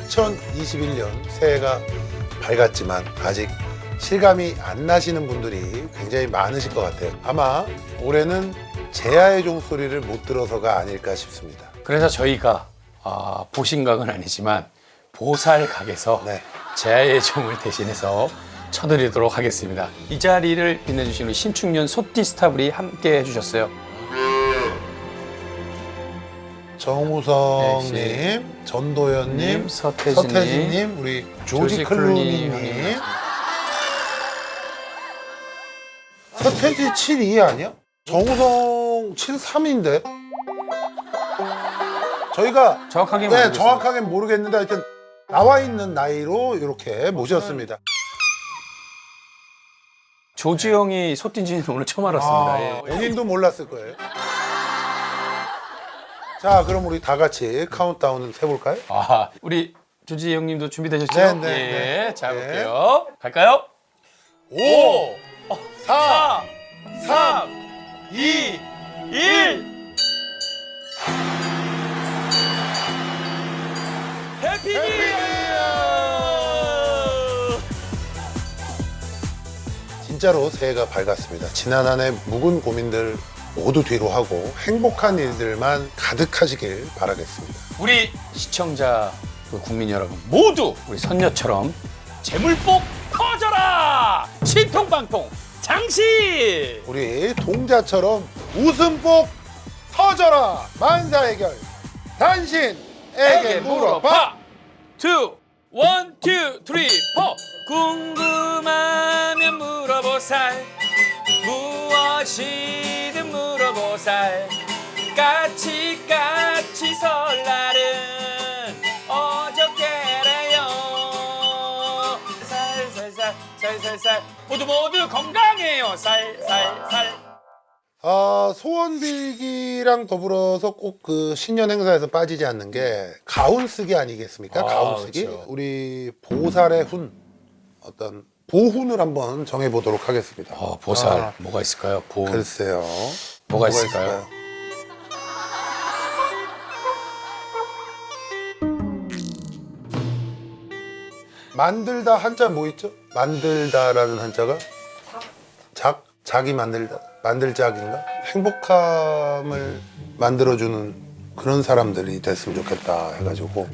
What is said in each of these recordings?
2021년 새해가 밝았지만 아직 실감이 안 나시는 분들이 굉장히 많으실 것 같아요. 아마 올해는 제아의 종소리를 못 들어서가 아닐까 싶습니다. 그래서 저희가 보신각은 아니지만 보살각에서 네. 제아의 종을 대신해서 쳐드리도록 하겠습니다. 이 자리를 빛내주신 우리 신축년 소띠 스타블이 함께 해주셨어요. 정우성님, 네, 전도연님, 서태진님, 서태진님, 우리 조지 클루니님. 서태지 72 아니야? 정우성 73인데? 저희가 정확하게 네, 정확하게 모르겠는데 하여튼 나와 있는 나이로 이렇게 모셨습니다. 조지 형이 소띠인지는 오늘 처음 알았습니다. 예. 본인도 몰랐을 거예요. 자, 그럼 우리 다 같이 카운트다운을 해볼까요? 우리 조지 형님도 준비되셨죠? 네, 네, 예. 네. 자, 네. 볼게요. 갈까요? 5, 4, 3, 2, 1. 해피 뉴 이어! 진짜로 새해가 밝았습니다. 지난 한 해 묵은 고민들 모두 뒤로 하고 행복한 일들만 가득하시길 바라겠습니다. 우리 시청자, 국민 여러분 모두 우리 선녀처럼 재물복 터져라! 신통방통 장신! 우리 동자처럼 웃음복 터져라! 만사해결 당신에게 물어봐! 2, 1, 2, 3, 4 궁금하면 물어보살 무엇이든 물어보살 까치까치 설날은 어저께래요 살살살 모두 건강해요 살살살 소원 빌기랑 더불어서 꼭 그 신년 행사에서 빠지지 않는 게 가운 쓰기 아니겠습니까? 가운 쓰기. 그렇죠. 우리 보살의 훈, 어떤 보훈을 한번 정해보도록 하겠습니다. 보살 뭐가 있을까요? 글쎄요. 뭐가 있을까요? 만들다 한자 뭐 있죠? 만들다라는 한자가 자기 만들다, 만들작인가? 행복함을 만들어주는 그런 사람들이 됐으면 좋겠다 해가지고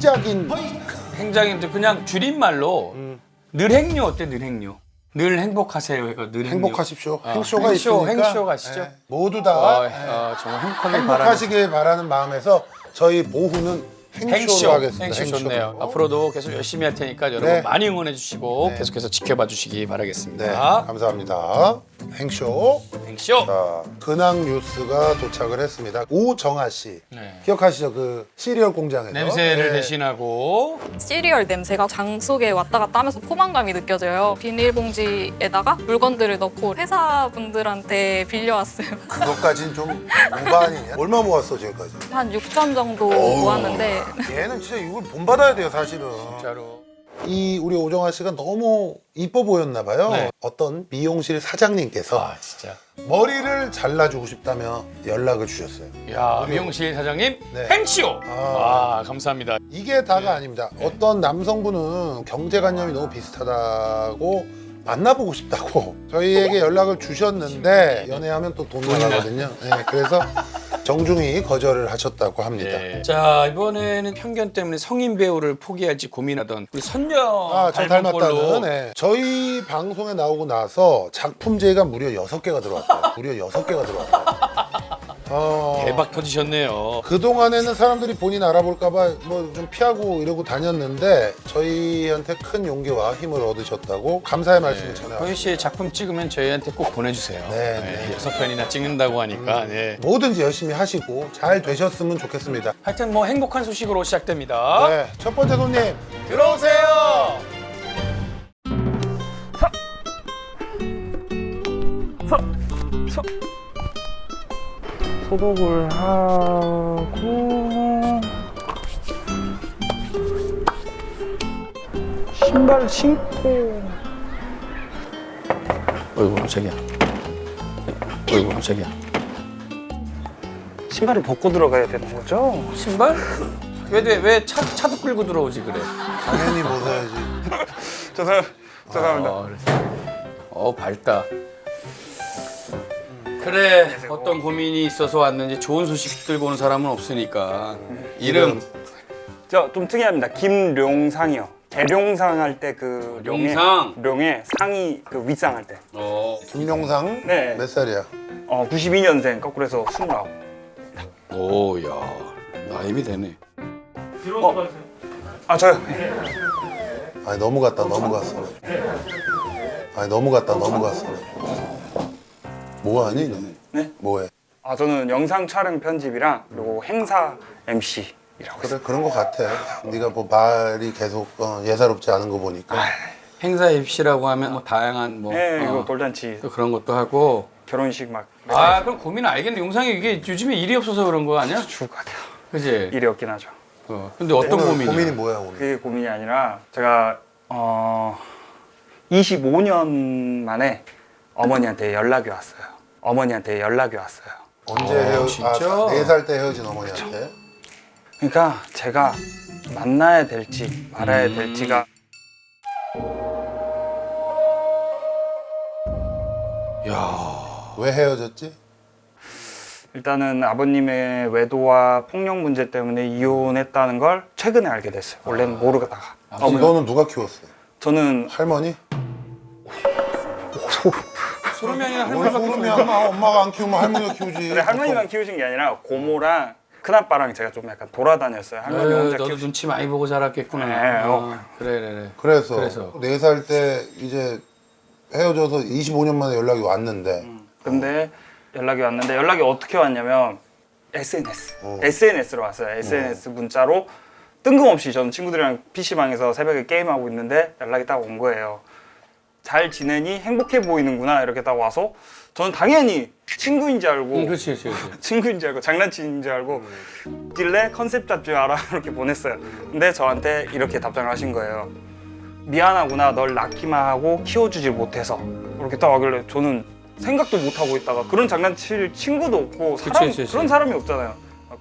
행장님도 그냥 줄임말로 늘행료 어때? 늘행료 늘 행복하세요. 늘 행복하십시오. 행쇼, 행쇼가 있으니까 행쇼 가시죠. 네, 모두 다 정말 행복하게 행복하시길 바라는 마음에서 저희 보후는 행쇼로 하겠습니다. 행쇼 행쇼로. 좋네요. 앞으로도 계속 열심히 할 테니까 여러분 네. 많이 응원해 주시고 네. 계속해서 지켜봐 주시기 바라겠습니다. 네, 감사합니다. 행쇼. 행쇼. 자, 근황 뉴스가 도착을 했습니다. 오정아 씨 네. 기억하시죠? 그 시리얼 공장에서 냄새를 네. 대신하고 시리얼 냄새가 장 속에 왔다 갔다 하면서 포만감이 느껴져요. 비닐봉지에다가 물건들을 넣고 회사분들한테 빌려왔어요. 그것까지는 좀 오바 아니냐? 얼마 모았어 지금까지? 한 6점 정도 모았는데 얘는 진짜 이걸 본받아야 돼요 사실은. 진짜로 이 우리 오정아 씨가 너무 이뻐 보였나 봐요. 네. 어떤 미용실 사장님께서 진짜 머리를 잘라주고 싶다며 연락을 주셨어요. 야 미용실 사장님 네. 행쇼. 감사합니다. 이게 다가 아닙니다. 어떤 남성분은 경제관념이 너무 비슷하다고 만나보고 싶다고 저희에게 연락을 주셨는데 연애하면 또 돈 나가거든요. 네, 그래서 정중히 거절을 하셨다고 합니다. 네. 자 이번에는 편견 때문에 성인 배우를 포기할지 고민하던 우리 선녀 저 닮은 걸로 닮았다는 네. 저희 방송에 나오고 나서 작품제가 무려 6개가 들어왔대요. 무려 6개가 들어왔대요. 대박 터지셨네요. 그동안에는 사람들이 본인 알아볼까봐 뭐 좀 피하고 이러고 다녔는데 저희한테 큰 용기와 힘을 얻으셨다고 감사의 말씀을 전해요. 허유 씨의 작품 찍으면 저희한테 꼭 보내주세요. 네. 6편이나 찍는다고 하니까. 네. 뭐든지 열심히 하시고 잘 되셨으면 좋겠습니다. 하여튼 뭐 행복한 소식으로 시작됩니다. 네, 첫 번째 손님 들어오세요. 소독을 하고 신발 신고 어이구 깜짝이야. 어이구 깜짝이야. 신발을 벗고 들어가야 되는 거죠? 신발? 왜 차도 끌고 들어오지 그래? 당연히 벗어야지. 죄송합니다. 밝다. 그래, 어떤 고민이 있어서 왔는지 좋은 소식 들고 오는 사람은 없으니까. 이름 저 좀 특이합니다. 김룡상이요. 계룡상 할 때 그 룡상. 룡의 상이 그 윗상 할 때. 김룡상 네. 몇 살이야? 92년생 거꾸로 해서 29. 오, 야, 나이비 되네. 아 저요. 아니 너무 갔다 넘어갔어. 아니 너무 갔다 넘어갔어. 뭐하니? 너? 네? 뭐해? 아 저는 영상 촬영 편집이랑 그리고 행사 MC 이라고 그래 그런 거 같아. 네가 뭐 말이 계속 예사롭지 않은 거 보니까. 행사 입시라고 하면 뭐 다양한 뭐 네, 이거 돌잔치, 또 그런 것도 하고. 결혼식 막 그럼 고민 알겠네. 용상이 이게 요즘에 일이 없어서 그런 거 아니야? 죽을 것 같아요. 그지? 일이 없긴 하죠. 근데 어떤 오늘 고민이야? 고민이 뭐야 오늘? 그게 고민이 아니라 제가 25년 만에 어머니한테 연락이 왔어요. 언제 진짜? 4살 때 헤어진 어머니한테? 그러니까 제가 만나야 될지 말아야 될지가 야, 왜 헤어졌지? 일단은 아버님의 외도와 폭력 문제 때문에 이혼했다는 걸 최근에 알게 됐어요. 원래는 모르다가. 너는 누가 키웠어? 저는 할머니? 소름이야 뭘 소름이야. 엄마가 안 키우면 할머니가 키우지. 근데 할머니만 키우신 게 아니라 고모랑 큰아빠랑 제가 좀 약간 돌아다녔어요. 할머니 혼자 너도 키우신. 눈치 많이 보고 자랐겠구나. 네, 그래. 그래서 그래서. 4살 때 이제 헤어져서 25년 만에 연락이 왔는데 근데 연락이 왔는데 연락이 어떻게 왔냐면 SNS로 왔어요. SNS 문자로 뜬금없이 저는 친구들이랑 PC방에서 새벽에 게임하고 있는데 연락이 딱 온 거예요. 잘 지내니? 행복해 보이는구나 이렇게 딱 와서 저는 당연히 친구인 줄 알고 그렇지. 친구인 줄 알고 장난치는 줄 알고 딜레 컨셉 잡지 마라 이렇게 보냈어요. 근데 저한테 이렇게 답장을 하신 거예요. 미안하구나 널 낳기만 하고 키워주질 못해서 이렇게 딱 하길래 저는 생각도 못 하고 있다가 그런 장난칠 친구도 없고 그치. 그런 사람이 없잖아요.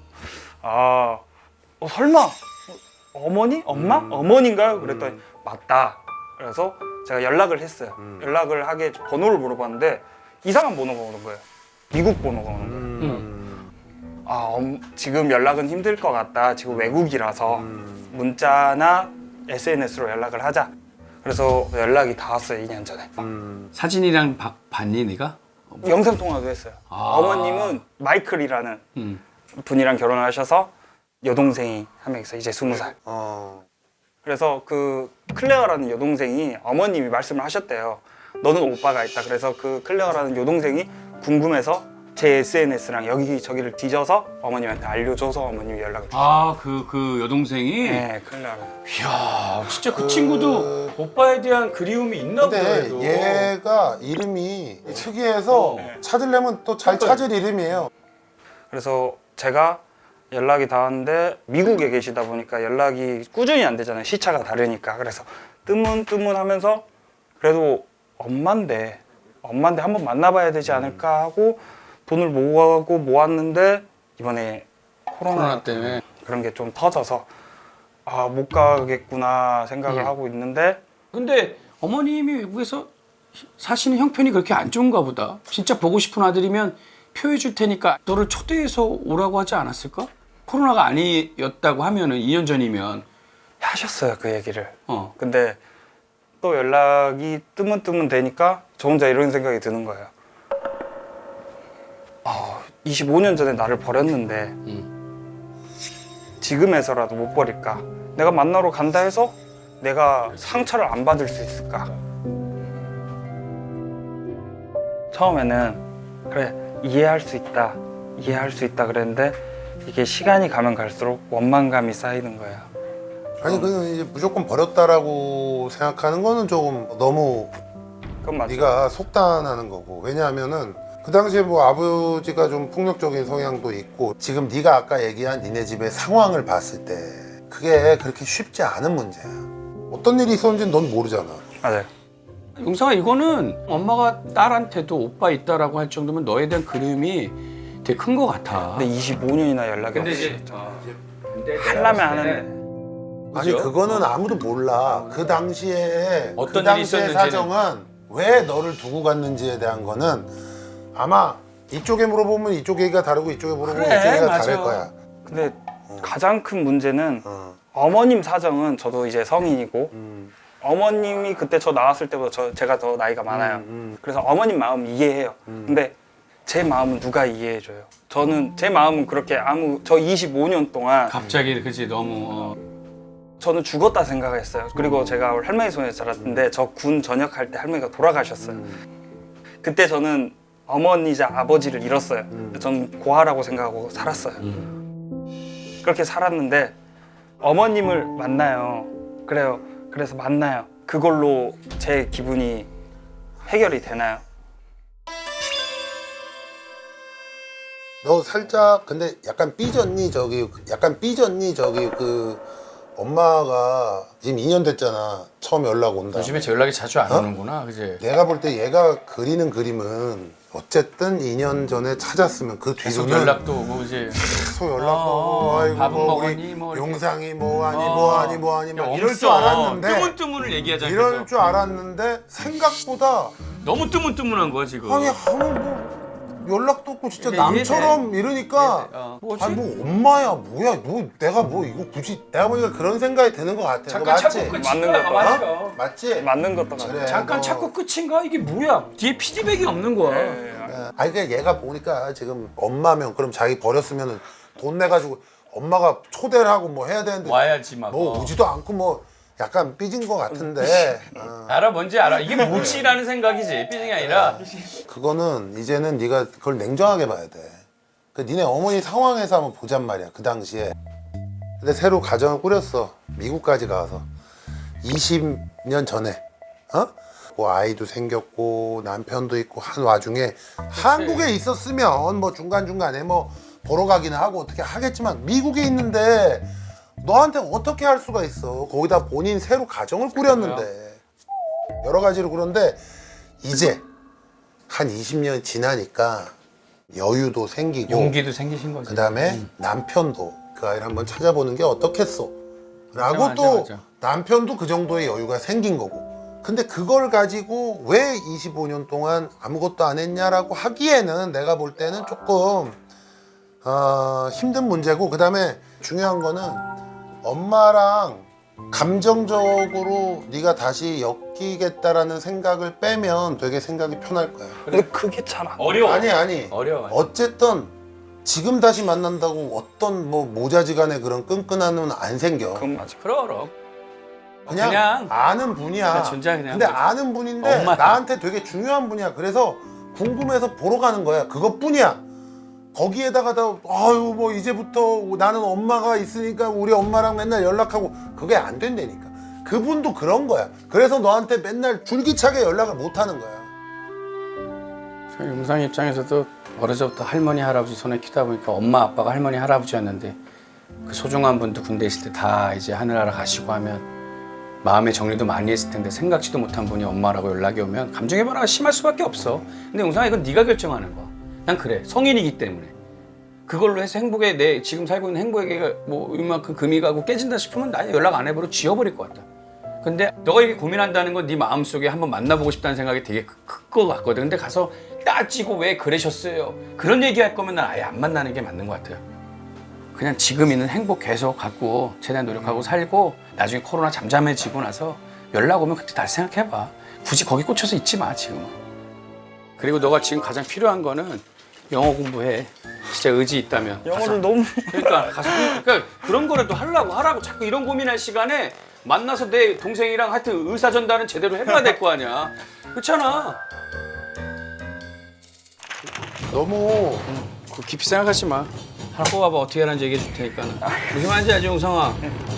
설마 어머니? 엄마? 어머니인가요? 그랬더니 맞다. 그래서 제가 연락을 했어요. 연락을 하게 번호를 물어봤는데 이상한 번호가 오는 거예요. 미국 번호가 오는 거예요. 지금 연락은 힘들 것 같다. 지금 외국이라서 문자나 SNS로 연락을 하자. 그래서 연락이 닿았어요. 2년 전에. 사진이랑 봤니 네가? 영상 통화도 했어요. 어머님은 마이클이라는 분이랑 결혼을 하셔서 여동생이 한 명 있어요. 이제 20살. 그래서 그 클레어라는 여동생이 어머님이 말씀을 하셨대요. 너는 오빠가 있다. 그래서 그 클레어라는 여동생이 궁금해서 제 SNS랑 여기저기를 뒤져서 어머님한테 알려줘서 어머님이 연락을 주셨어요. 그 여동생이? 네, 클레어를. 이야, 진짜 그 친구도 오빠에 대한 그리움이 있나 보다. 근데 그래도. 얘가 이름이 특이해서 찾으려면 또 잘 찾을 이름이에요. 그래서 제가 연락이 닿았는데 미국에 계시다 보니까 연락이 꾸준히 안 되잖아요. 시차가 다르니까. 그래서 뜨문뜨문하면서 그래도 엄마인데 한번 만나봐야 되지 않을까 하고 돈을 모았는데 이번에 코로나 때문에 그런 게 좀 터져서 못 가겠구나 생각을 하고 있는데 근데 어머님이 외국에서 사시는 형편이 그렇게 안 좋은가 보다. 진짜 보고 싶은 아들이면 표해 줄 테니까 너를 초대해서 오라고 하지 않았을까? 코로나가 아니었다고 하면은 2년 전이면 하셨어요 그 얘기를. 어. 근데 또 연락이 뜨문뜨문 되니까 저 혼자 이런 생각이 드는 거예요. 25년 전에 나를 버렸는데 지금에서라도 못 버릴까? 내가 만나러 간다 해서 내가 상처를 안 받을 수 있을까? 처음에는 그래 이해할 수 있다 그랬는데 이게 시간이 가면 갈수록 원망감이 쌓이는 거예요. 아니 그냥 이제 무조건 버렸다라고 생각하는 거는 조금 너무 그건 맞죠. 네가 속단하는 거고. 왜냐하면은 그 당시에 뭐 아버지가 좀 폭력적인 성향도 있고 지금 네가 아까 얘기한 니네 집의 상황을 봤을 때 그게 그렇게 쉽지 않은 문제야. 어떤 일이 있었는지는 넌 모르잖아. 맞아요. 용상아 이거는 엄마가 딸한테도 오빠 있다라고 할 정도면 너에 대한 그리움이 되게 큰 것 같아. 근데 25년이나 연락이 근데 없이 이제 하려면 하는데. 아니 그죠? 그거는 아무도 몰라. 그 당시에 어떤 그 일이 당시의 있었는지는. 사정은 왜 너를 두고 갔는지에 대한 거는 아마 이쪽에 물어보면 이쪽 얘기가 다르고 이쪽에 물어보면 그래, 이쪽 얘기가 맞아. 다를 거야. 근데 가장 큰 문제는 어. 어머님 사정은 저도 이제 성인이고 음. 어머님이 그때 저 나왔을 때보다 제가 더 나이가 많아요. 그래서 어머님 마음 이해해요. 근데 제 마음은 누가 이해해줘요? 저는 제 마음은 그렇게 저 25년 동안 갑자기 그지 너무 저는 죽었다 생각했어요. 그리고 제가 할머니 손에 자랐는데 저 군 전역할 때 할머니가 돌아가셨어요. 그때 저는 어머니자 아버지를 잃었어요. 저는 고아라고 생각하고 살았어요. 그렇게 살았는데 어머님을 만나요. 그래요. 그래서 만나요. 그걸로 제 기분이 해결이 되나요? 너 살짝 근데 약간 삐졌니 저기 그 엄마가 지금 2년 됐잖아. 처음 연락 온다. 요즘에 제 연락이 자주 안 오는구나, 그지? 내가 볼 때 얘가 그리는 그림은 어쨌든 2년 전에 찾았으면 그 계속 뒤로는 연락도 오고 이제 계속 연락도 오고 아이고 밥은 뭐 먹었니? 우리 뭐 이렇게. 용상이 뭐하니 막 이럴 줄 없어. 알았는데 뜨문뜨문을 얘기하자. 이럴 그래서. 줄 알았는데 생각보다 너무 뜨문뜨문한 거야 지금. 아니 뭐 연락도 없고 진짜 그러니까 남처럼 이러니까 뭐지? 아니 뭐 엄마야 뭐야 뭐 내가 뭐 이거 굳이 내가 보니까 그런 생각이 드는 것 같아. 그거 잠깐 맞지? 찾고 맞는 끝인가? 것도 맞아. 어? 맞지? 맞는 것도 같아요. 그래. 잠깐 너- 찾고 끝인가? 이게 뭐야? 뒤에 피드백이 없는 거야. 네. 아니 그냥 얘가 보니까 지금 엄마면 그럼 자기 버렸으면 돈 내가지고 엄마가 초대를 하고 뭐 해야 되는데 와야지 막. 뭐 오지도 않고 뭐 약간 삐진 것 같은데 알아 뭔지 알아. 이게 뭐지라는 생각이지. 삐진이 아니라. 그거는 이제는 네가 그걸 냉정하게 봐야 돼. 그 니네 어머니 상황에서 한번 보잔 말이야 그 당시에. 근데 새로 가정을 꾸렸어. 미국까지 가서 20년 전에 뭐 아이도 생겼고 남편도 있고 한 와중에 한국에 있었으면 뭐 중간중간에 뭐 보러 가기는 하고 어떻게 하겠지만 미국에 있는데 너한테 어떻게 할 수가 있어. 거기다 본인 새로 가정을 꾸렸는데 여러 가지로. 그런데 이제 한 20년 지나니까 여유도 생기고 용기도 생기신 거지. 그 다음에 남편도 그 아이를 한번 찾아보는 게 어떻겠어 라고 맞아, 또 맞아. 남편도 그 정도의 여유가 생긴 거고. 근데 그걸 가지고 왜 25년 동안 아무것도 안 했냐라고 하기에는 내가 볼 때는 조금 힘든 문제고. 그 다음에 중요한 거는 엄마랑 감정적으로 네가 다시 엮이겠다라는 생각을 빼면 되게 생각이 편할 거야. 근데 그게 참 어려워. 아니 어려워. 어쨌든 지금 다시 만난다고 어떤 뭐 모자지간의 그런 끈끈함은 안 생겨. 그건 맞아. 그럼. 그냥 아는 분이야. 그냥 존재 그냥 근데 뭐지. 아는 분인데 엄마야. 나한테 되게 중요한 분이야. 그래서 궁금해서 보러 가는 거야. 그것뿐이야. 거기에다가 아유 뭐 이제부터 나는 엄마가 있으니까 우리 엄마랑 맨날 연락하고 그게 안 된다니까. 그분도 그런 거야. 그래서 너한테 맨날 줄기차게 연락을 못 하는 거야. 용상 입장에서도 어려서부터 할머니 할아버지 손에 키다 보니까 엄마 아빠가 할머니 할아버지였는데 그 소중한 분도 군대 있을 때 다 이제 하늘나라 가시고 하면 마음의 정리도 많이 했을 텐데 생각지도 못한 분이 엄마라고 연락이 오면 감정의 변화가 심할 수밖에 없어. 근데 용상아 이건 네가 결정하는 거야. 난 그래. 성인이기 때문에. 그걸로 해서 행복에 내 지금 살고 있는 행복에게 뭐 이만큼 금이 가고 깨진다 싶으면 나 연락 안 해버려 지워버릴 것 같다. 근데 너가 이게 고민한다는 건 네 마음속에 한번 만나보고 싶다는 생각이 되게 클 것 같거든. 근데 가서 따지고 왜 그러셨어요? 그런 얘기할 거면 난 아예 안 만나는 게 맞는 것 같아요. 그냥 지금 있는 행복 계속 갖고 최대한 노력하고 살고 나중에 코로나 잠잠해지고 나서 연락 오면 그때 다시 생각해봐. 굳이 거기 꽂혀서 있지 마 지금은. 그리고 너가 지금 가장 필요한 거는 영어 공부해. 진짜 의지 있다면. 영어를 너무 그러니까 가서 그러니까 그런 거라도 하라고 자꾸 이런 고민할 시간에 만나서 내 동생이랑 하여튼 의사 전달은 제대로 해봐야 될 거 아니야. 그렇잖아. 너무 그 깊이 생각하지 마. 하나 뽑아봐. 어떻게 하는지 얘기해 줄 테니까. 무슨 말인지 알지, 용성아?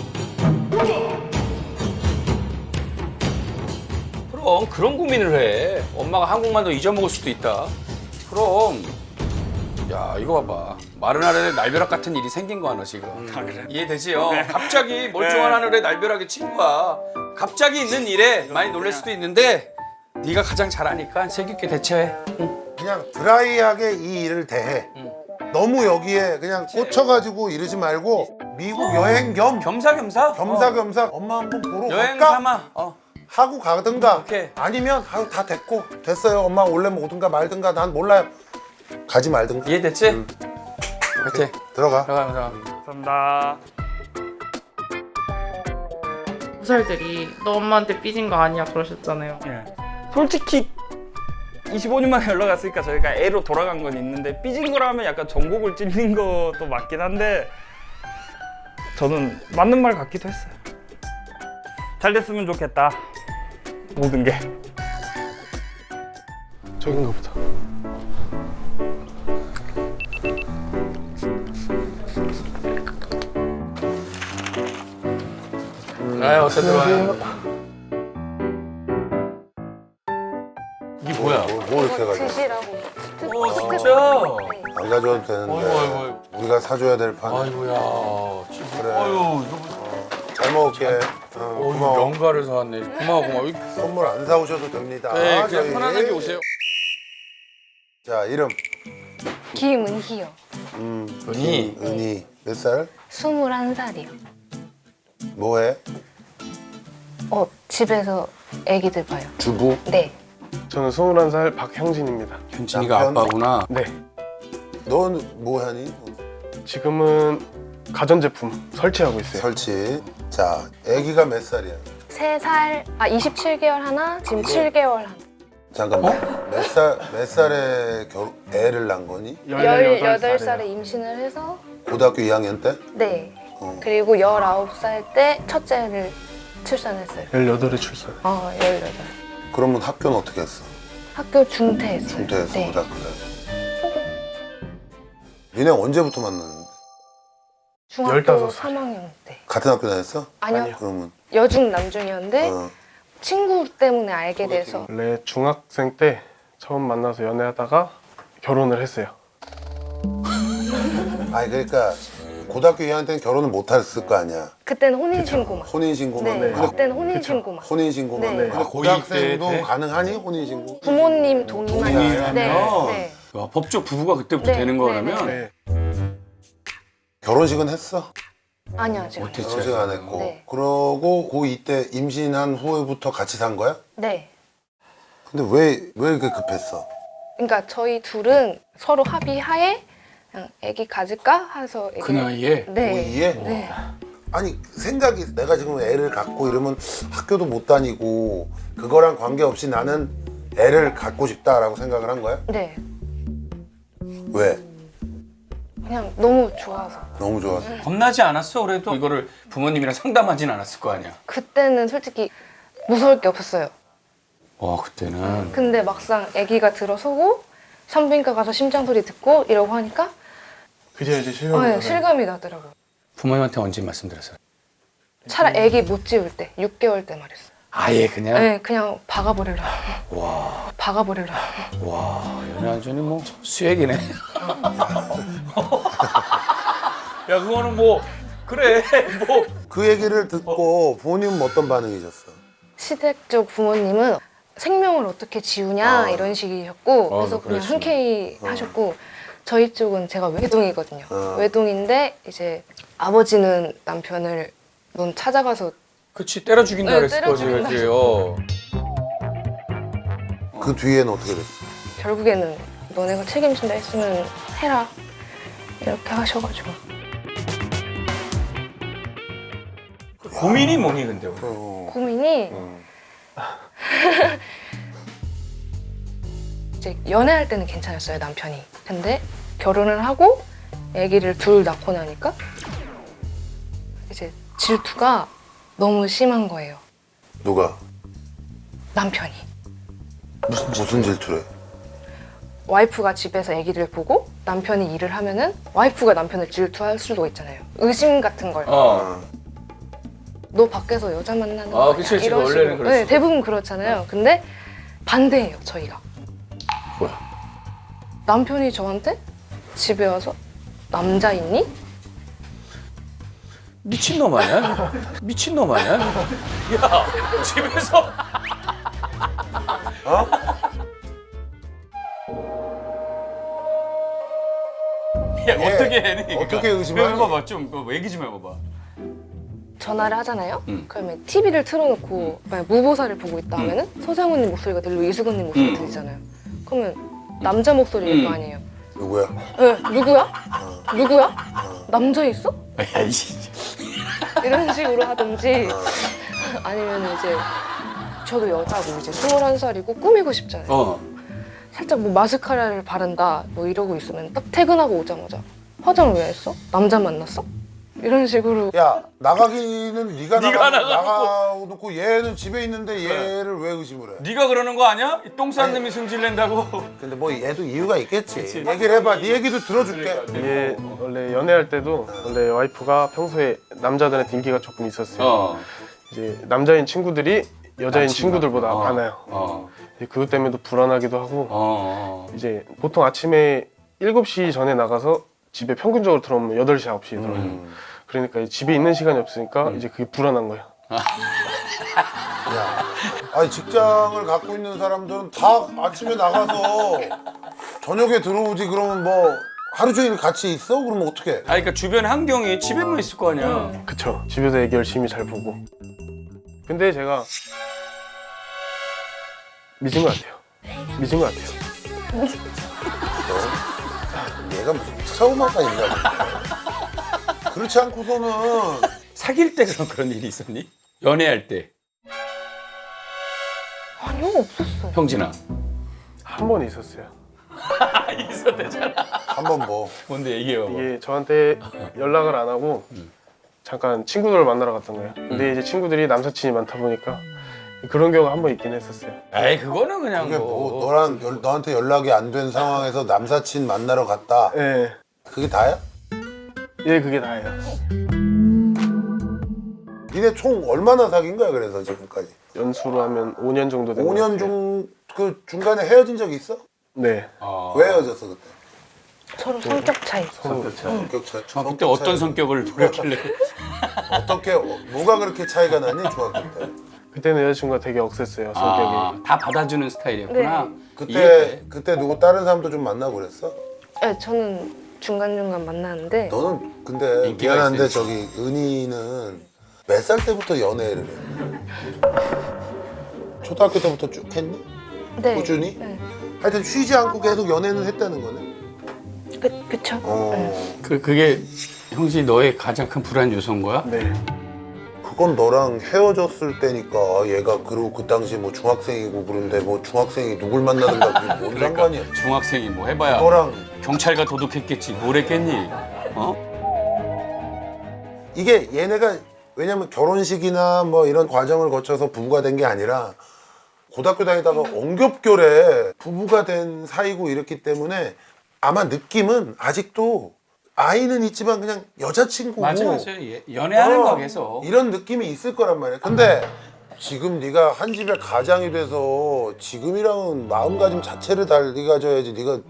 그럼 그런 고민을 해. 엄마가 한국만 더 잊어먹을 수도 있다. 그럼. 야 이거 봐봐. 마른 하늘에 날벼락 같은 일이 생긴 거야 너 지금. 이해되지? 갑자기 멀쩡한 하늘에 날벼락이 친 거야. 갑자기 있는 일에 많이 놀랄 수도 있는데 네가 가장 잘하니까 세규있게 대처해. 응. 그냥 드라이하게 이 일을 대해. 너무 여기에 그냥 꽂혀가지고 이러지 말고 미국 여행 겸 겸사겸사. 겸사겸사 엄마 한번 보러 여행 갈까? 삼아. 하고 가든가 오케이. 아니면 아유 다 됐고 됐어요 엄마 원래 오든가 말든가 난 몰라요 가지 말든가 이해됐지? 오케이. 들어가 들어가. 감사합니다. 부살들이 너 엄마한테 삐진 거 아니야 그러셨잖아요. 예. 솔직히 25년 만에 연락 왔으니까 저희가 애로 돌아간 건 있는데 삐진 거라면 약간 전곡을 찔린 것도 맞긴 한데 저는 맞는 말 같기도 했어요. 잘 됐으면 좋겠다. 모든 게. 저긴가 보다. 어서 들어와요. 이게 뭐야? 뭐 이렇게 가져 드시라고. 진짜? 안 가져도 되는데 아이고. 우리가 사줘야 될 판 아이고야. 그래 아유, 잘 먹을게 고마워 명가를 사왔네. 고마워. 선물 안 사오셔도 됩니다 네, 그냥 저희. 편안하게 오세요. 자 이름 김은희요. 은희. 은희 몇 살? 21살이요. 뭐해? 집에서 애기들 봐요. 주부. 네. 저는 21살 박형진입니다. 현진이가 남편? 아빠구나. 네. 넌 뭐하니? 지금은 가전제품 설치하고 있어요. 설치 자 애기가 몇 살이야? 3살, 27개월 하나, 지금 7개월 하나. 잠깐만 몇 살에 애를 낳은 거니? 18살에 임신을 해서 고등학교 2학년 때? 네. 그리고 19살 때 첫째를 출산했어요. 18에 출산. 18. 그러면 학교는 어떻게 했어? 학교 중퇴했어요. 중퇴했어 네. 고등학교 때 니네 언제부터 만났는데? 중학교 15살. 3학년 때. 같은 학교 다녔어? 아니요. 그러면 여중 남중이었는데 어. 친구 때문에 알게 돼서 원래 중학생 때 처음 만나서 연애하다가 결혼을 했어요. 아니 그러니까 고등학교 2학년 때는 결혼을 못 했을 거 아니야 그때는 혼인신고만. 혼인신고만 네. 근데 그때는 혼인신고만. 혼인신고만 네. 근데 아, 고등학생도 고2 때? 가능하니 혼인신고? 부모님 동의만 동의만 있어요. 네. 하면? 네. 야, 법적 부부가 그때부터 네, 되는 네, 거라면 네. 결혼식은 했어? 아니요, 아직. 어떻게 결혼식 안 했고 네. 그러고 고2 때 임신한 후부터 같이 산 거야? 네. 근데 왜 이렇게 급했어? 그러니까 저희 둘은 서로 합의하에 그냥 애기 가질까 해서 그 나이에 네. 고2에? 네. 아니 생각이 내가 지금 애를 갖고 이러면 학교도 못 다니고 그거랑 관계없이 나는 애를 갖고 싶다라고 생각을 한 거야? 네. 왜? 그냥 너무 좋아서. 너무 좋아서 겁나지 않았어? 그래도 이거를 부모님이랑 상담하진 않았을 거 아니야. 그때는 솔직히 무서울 게 없었어요. 와 그때는 근데 막상 애기가 들어서고 산부인과 가서 심장 소리 듣고 이러고 하니까 그제 이제 실감이 네, 나요. 실감이 나더라고요. 부모님한테 언제 말씀드렸어요? 차라리 애기 못 지울 때, 6개월 때 말했어요. 아예 그냥 네, 그냥 박아버리려. 박아버리려. 와 연애 완전히 뭐 수액이네. 야 그거는 뭐 그래 뭐 그 얘기를 듣고 부모님은 어떤 반응이셨어? 시댁 쪽 부모님은 생명을 어떻게 지우냐 이런 식이셨고 그래서 그냥 그렇지. 흔쾌히 하셨고 저희 쪽은 제가 외동이거든요. 어. 외동인데 이제 아버지는 남편을 넌 찾아가서 그치 때려 죽인다 네, 그랬을 때려 거지 죽인다. 그지요. 그 뒤에는 어떻게 됐어? 결국에는 너네가 책임진다 했으면 해라 이렇게 하셔가지고 고민이 뭐니 근데 우리? 고민이 이제 연애할 때는 괜찮았어요 남편이. 근데 결혼을 하고 아기를 둘 낳고 나니까 이제 질투가 너무 심한 거예요. 누가? 남편이. 무슨 질투래? 와이프가 집에서 아기를 보고 남편이 일을 하면은 와이프가 남편을 질투할 수도 있잖아요. 의심 같은 걸. 너 밖에서 여자 만나는 거 아니야? 그치, 그치. 이런 원래는 식으로. 그랬어. 네, 대부분 그렇잖아요. 근데 반대예요, 저희가. 뭐야? 남편이 저한테 집에 와서 남자 있니? 미친놈 아니야? 미친놈 아니야? 야 집에서 어떻게 해? 그러니까. 어떻게 의심하니? 해봐봐 좀 얘기 좀 해봐봐. 전화를 하잖아요. 그러면 TV를 틀어놓고 만약 무보사를 보고 있다 하면은 서장훈님 목소리가 들리고 이수근님 목소리가 들리잖아요. 그러면 남자 목소리일 거 아니에요. 누구야? 네, 누구야? 누구야? 남자 있어? 야이씨. 이런 식으로 하든지 아니면 이제 저도 여자고 이제 21살이고 꾸미고 싶잖아요. 살짝 뭐 마스카라를 바른다 뭐 이러고 있으면 딱 퇴근하고 오자마자 화장을 왜 했어? 남자 만났어? 이런 식으로 야 나가기는 네가 네가 나가놓고 얘는 집에 있는데 얘를 왜 의심을 해? 네가 그러는 거 아니야? 똥 싼 놈이 승질 낸다고. 근데 뭐 얘도 이유가 있겠지. 얘기를 해봐. 네 얘기도 들어줄게. 이게 원래 연애할 때도 원래 와이프가 평소에 남자들한테 인기가 조금 있었어요. 이제 남자인 친구들이 여자인 친구들보다 많아요. 이제 그것 때문에도 불안하기도 하고 이제 보통 아침에 7시 전에 나가서 집에 평균적으로 들어오면 8시, 9시에 들어와요. 그러니까 집에 있는 시간이 없으니까 이제 그게 불안한 거예요. 야, 아니 직장을 갖고 있는 사람들은 다 아침에 나가서 저녁에 들어오지. 그러면 뭐 하루 종일 같이 있어? 그러면 어떡해? 아니 그러니까 주변 환경이 집에만 있을 거 아니야. 그쵸. 집에서 애기 열심히 잘 보고. 근데 제가 미친 것 같아요. 미친 것 같아요. 얘가 무슨 트라우마가 있나 보네. 그렇지 않고서는 사귈 때 그런 일이 있었니? 연애할 때. 아니요 없었어요. 형진아. 한 번 있었어요. 있었대잖아. 한번 뭐 뭔데 얘기해봐. 이게 저한테 연락을 안 하고 잠깐 친구들을 만나러 갔던 거예요. 근데 이제 친구들이 남사친이 많다 보니까 그런 경우가 한 번 있긴 했었어요. 에이 그거는 그냥 그게 뭐 너한테 연락이 안 된 상황에서 남사친 만나러 갔다. 예, 그게 다야? 예, 그게 다예요. 니네 총 얼마나 사귄 거야 그래서 지금까지? 연수로 하면 5년 정도 된 것 5년 같아요. 그 중간에 헤어진 적 있어? 네. 왜 헤어졌어 그때? 서로 성격 차이. 성격 차이. 중학교 때 어떤 성격을 보였길래? 어떻게 뭐가 그렇게 차이가 나니 중학교 때? 그때는 여자친구가 되게 억셌어요, 성격이. 다 받아주는 스타일이었구나. 그때 누구 다른 사람도 좀 만나고 그랬어? 네, 저는 중간중간 만나는데 너는 근데 인기가 미안한데 있으니까. 저기 은희는 몇 살 때부터 연애를 해? 초등학교 때부터 쭉 했니? 네. 꾸준히? 네. 하여튼 쉬지 않고 계속 연애는 했다는 거네. 그쵸? 그게 형진이 너의 가장 큰 불안 요소인 거야? 네. 그건 너랑 헤어졌을 때니까 얘가 그리고 그 당시 뭐 중학생이고 그런데 뭐 중학생이 누굴 만나든가 그게 뭔 상관이야. 중학생이 뭐 해봐야 너랑 경찰과 도둑했겠지 뭘 했겠니? 이게 얘네가 왜냐면 결혼식이나 뭐 이런 과정을 거쳐서 부부가 된 게 아니라 고등학교 다니다가 엉겹결에 부부가 된 사이고 이랬기 때문에 아마 느낌은 아직도 아이는 있지만 그냥 여자친구고 맞아. 연애하는 거 계속. 이런 느낌이 있을 거란 말이야. 근데 지금 네가 한 집에 가장이 돼서 지금이랑은 마음가짐 자체를 달리 가져야지. 네가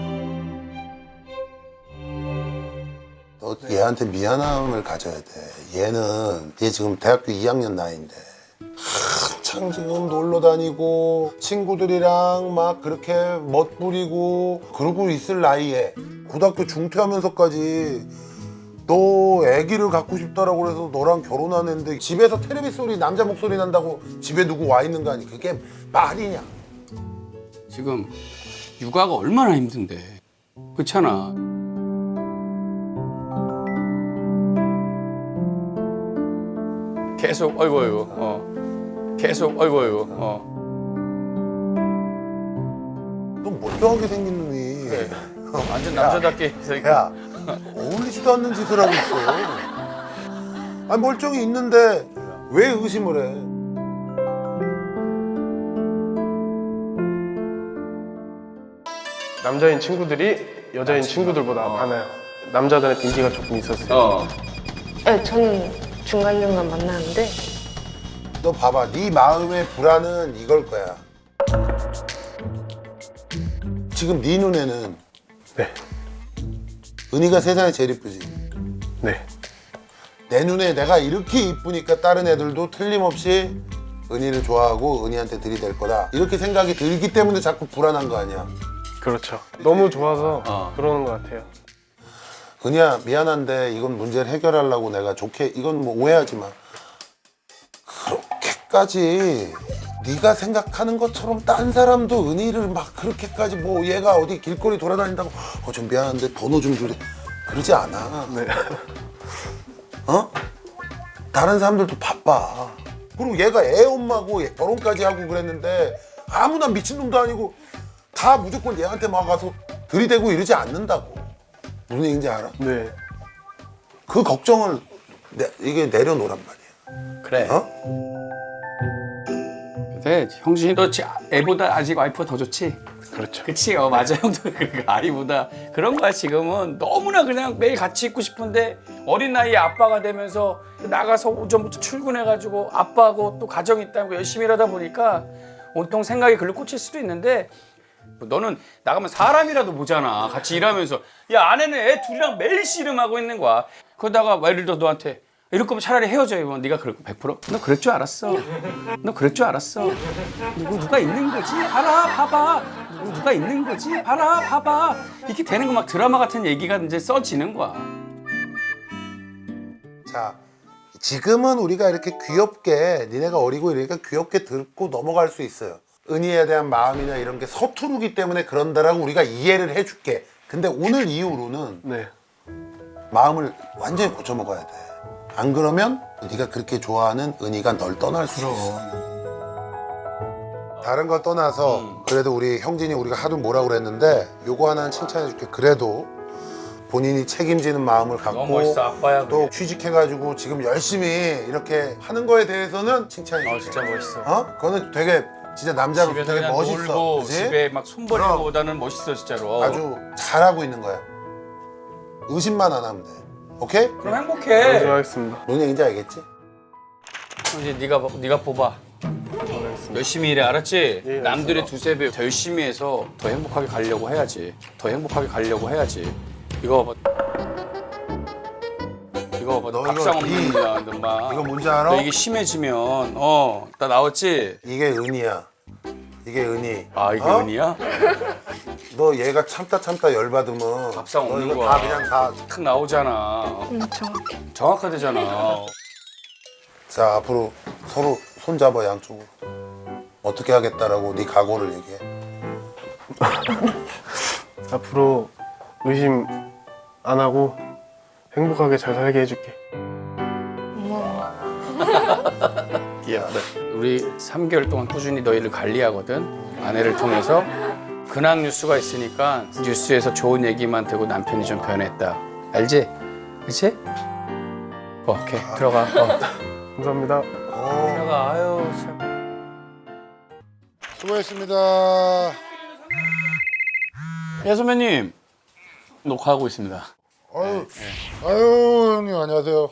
너 얘한테 미안함을 가져야 돼. 얘 지금 대학교 2학년 나이인데 한창 지금 놀러 다니고 친구들이랑 막 그렇게 멋부리고 그러고 있을 나이에 고등학교 중퇴하면서까지 너 아기를 갖고 싶다라고 그래서 너랑 결혼하는데 집에서 텔레비 소리 남자 목소리 난다고 집에 누구 와 있는 거 아니? 그게 말이냐? 지금 육아가 얼마나 힘든데. 그렇잖아. 계속 어이구 계속 어이구 너 멀쩡하게 생긴 놈이 완전 남자답게 야 어울리지도 않는 짓을 하고 있어. 아니 멀쩡히 있는데 왜 의심을 해? 남자인 친구들이 여자인 친구들보다 많아요. 남자들한테 인기가 조금 있었어요. 네, 저는 중간중간 만나는데 너 봐봐, 네 마음의 불안은 이걸 거야. 지금 네 눈에는 네. 은희가 세상에 제일 이쁘지. 네. 내 눈에 내가 이렇게 이쁘니까 다른 애들도 틀림없이 은희를 좋아하고 은희한테 들이댈 거다. 이렇게 생각이 들기 때문에 자꾸 불안한 거 아니야. 그렇죠. 너무 좋아서 그러는 것 같아요. 은희야 미안한데 이건 문제를 해결하려고 내가 좋게 이건 뭐 오해하지 마. 그렇게까지 네가 생각하는 것처럼 딴 사람도 은희를 막 그렇게까지 뭐 얘가 어디 길거리 돌아다닌다고 좀 미안한데 번호 좀 주래 그러지 않아. 네. 어? 다른 사람들도 바빠. 그리고 얘가 애 엄마고 결혼까지 하고 그랬는데 아무나 미친놈도 아니고 다 무조건 얘한테 막 가서 들이대고 이러지 않는다고. 무슨 얘기인지 알아? 네. 그 걱정을 이게 내려놓란 말이야. 그래. 어? 근데 형준이 너 애보다 아직 와이프가 더 좋지? 그렇죠. 그치, 맞아. 형도 그 아이보다 그런 거야. 지금은 너무나 그냥 매일 같이 있고 싶은데 어린 나이에 아빠가 되면서 나가서 오전부터 출근해가지고 아빠하고 또 가정 있다고 열심히 일하다 보니까 온통 생각이 글로 꽂힐 수도 있는데 너는 나가면 사람이라도 보잖아. 같이 일하면서 야 아내는 애 둘이랑 매일 씨름하고 있는 거야. 그러다가 예를 들어 너한테 이럴 거면 차라리 헤어져. 이러면 네가 그럴 거 100%? 너 그럴 줄 알았어. 너 그럴 줄 알았어. 누가 있는 거지? 봐라 봐봐. 누가 있는 거지? 봐라 봐봐. 이렇게 되는 거 막 드라마 같은 얘기가 이제 써지는 거야. 자, 지금은 우리가 이렇게 귀엽게 니네가 어리고 이러니까 귀엽게 듣고 넘어갈 수 있어요. 은희에 대한 마음이나 이런 게 서투르기 때문에 그런다라고 우리가 이해를 해줄게. 근데 오늘 이후로는 네. 마음을 완전히 고쳐먹어야 돼. 안 그러면 네가 그렇게 좋아하는 은희가 널 떠날 수 있어. 다른 걸 떠나서 그래도 우리 형진이 우리가 하도 뭐라고 그랬는데 요거 하나는 칭찬해줄게. 그래도 본인이 책임지는 마음을 갖고 너무 멋있어. 아빠야. 또 취직해가지고 지금 열심히 이렇게 하는 거에 대해서는 칭찬해줄게. 진짜 멋있어. 어? 그거는 되게 진짜 남자로서 집에서 되게 그냥 멋있어. 놀고 그치? 집에 막 손버리는 거보다는 멋있어 진짜로. 아주 잘하고 있는 거야. 의심만 안 하면 돼. 오케이? 그럼 행복해. 하겠습니다. 뭔 얘기인지 알겠지? 이제 네가 뽑아. 열심히 일해, 알았지? 예, 남들의 두세 배 더 열심히 해서 더 행복하게 가려고 해야지. 더 행복하게 가려고 해야지. 이거 봐봐. 이거 봐봐. 너 밥상 이거 없는 거야, 너 막. 이거 뭔지 알아? 너 이게 심해지면 나 나왔지? 이게 은희야. 이게 은희. 아 이게 어? 은희야? 너 얘가 참다 열받으면 밥상 너 없는 이거 거야. 다 그냥 다. 탁 나오잖아. 정확해. 정확하대잖아. 자 앞으로 서로 손잡아 양쪽으로. 어떻게 하겠다라고 네 각오를 얘기해. 앞으로 의심 안 하고 행복하게 잘 살게 해줄게. 고마워. 귀엽다. 우리 3개월 동안 꾸준히 너희를 관리하거든. 아내를 통해서. 근황 뉴스가 있으니까 뉴스에서 좋은 얘기만 되고 남편이 좀 변했다. 알지? 그치? 오케이. 들어가. 감사합니다. 들어가. 아유 참. 수고했습니다. 예 선배님. 녹화하고 있습니다. 아유 형님 안녕하세요.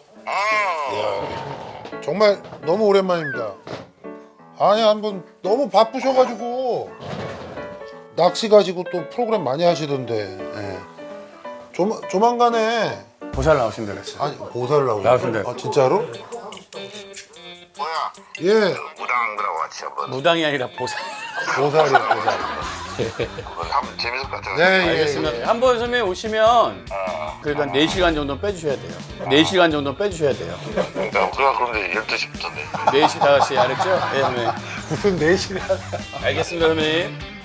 이야, 정말 너무 오랜만입니다. 아니 한번 너무 바쁘셔가지고 낚시 가지고 또 프로그램 많이 하시던데. 예. 조만간에 보살 나오신다 그랬어. 아니 보살을 나오신대. 아 진짜로? 뭐야? 예 무당들하고 같이 한번 무당이 아니라 보살. 보살이요 보살. 한번 재밌을 것 같아요. 네 알겠습니다. 예. 한번 선배님 오시면 그래도 한 4시간 정도는 빼주셔야 돼요. 4시간 정도는 빼주셔야 돼요. 그러니까 그런데 12시부터인데. 4시, 5시 알았죠? 예, 선배님. 무슨 4시간. 알겠습니다, 선배님.